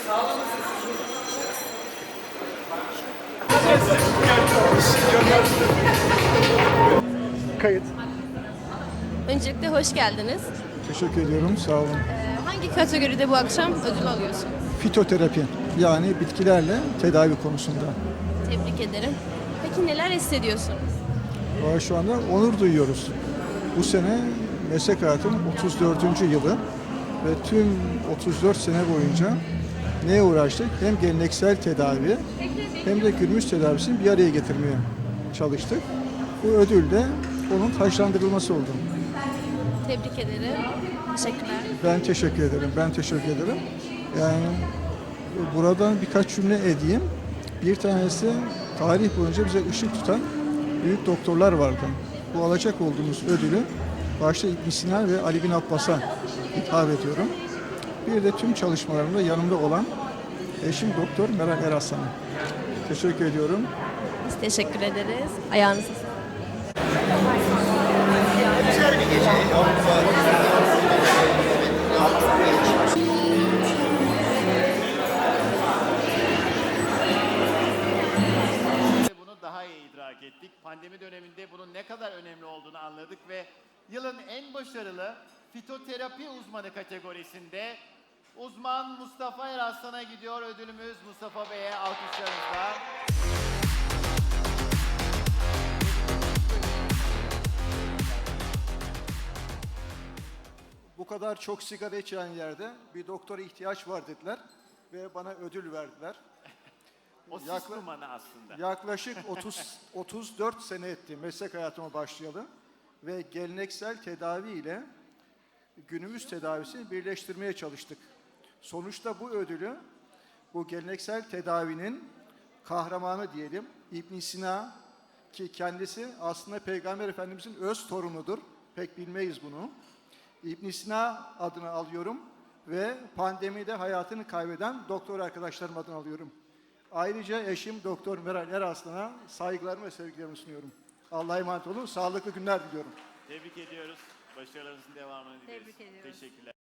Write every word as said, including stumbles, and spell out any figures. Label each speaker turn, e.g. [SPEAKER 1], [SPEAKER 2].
[SPEAKER 1] Kayıt.
[SPEAKER 2] Öncelikle hoş geldiniz.
[SPEAKER 1] Teşekkür ediyorum. Sağ olun.
[SPEAKER 2] Ee, hangi kategoride bu akşam ödül alıyorsun?
[SPEAKER 1] Fitoterapi, yani bitkilerle tedavi konusunda.
[SPEAKER 2] Tebrik ederim. Peki neler hissediyorsun?
[SPEAKER 1] Valla şu anda onur duyuyoruz. Bu sene meslek hayatımın otuz dördüncü yılı ve tüm otuz dört sene boyunca neye uğraştık? Hem geleneksel tedavi hem de günümüz tedavisini bir araya getirmeye çalıştık. Bu ödül de onun taşlandırılması oldu.
[SPEAKER 2] Tebrik ederim. Teşekkürler.
[SPEAKER 1] Ben teşekkür ederim. Ben teşekkür ederim. Yani buradan birkaç cümle edeyim. Bir tanesi tarih boyunca bize ışık tutan büyük doktorlar vardı. Bu alacak olduğumuz ödülü başta İbn Sina ve Ali bin Abbas'a hitap ediyorum. Bir de tüm çalışmalarımda yanımda olan eşim Doktor Meral Eraslan'a teşekkür ediyorum.
[SPEAKER 2] Biz teşekkür ederiz. Ayağınıza sağlık.
[SPEAKER 3] Bunu daha iyi idrak ettik. Pandemi döneminde bunun ne kadar önemli olduğunu anladık ve yılın en başarılı fitoterapi uzmanı kategorisinde uzman Mustafa Eraslan'a gidiyor ödülümüz. Mustafa Bey'e alkışlarınızla.
[SPEAKER 1] Bu kadar çok sigara içen yerde bir doktora ihtiyaç var dediler ve bana ödül verdiler.
[SPEAKER 3] O sis
[SPEAKER 1] Yakla-
[SPEAKER 3] dumanı aslında.
[SPEAKER 1] Yaklaşık otuz otuz dört sene etti meslek hayatıma başlayalı ve geleneksel tedavi ile günümüz tedavisini birleştirmeye çalıştık. Sonuçta bu ödülü bu geleneksel tedavinin kahramanı diyelim İbn Sina, ki kendisi aslında Peygamber Efendimizin öz torunudur. Pek bilmeyiz bunu. İbn Sina adını alıyorum ve pandemide hayatını kaybeden doktor arkadaşlarım adını alıyorum. Ayrıca eşim Doktor Meral Eraslan'a saygılarımı ve sevgilerimi sunuyorum. Allah'a emanet olun. Sağlıklı günler diliyorum.
[SPEAKER 3] Tebrik ediyoruz. Başarılarınızın devamını dileriz.
[SPEAKER 2] Tebrik ediyoruz.
[SPEAKER 3] Teşekkürler.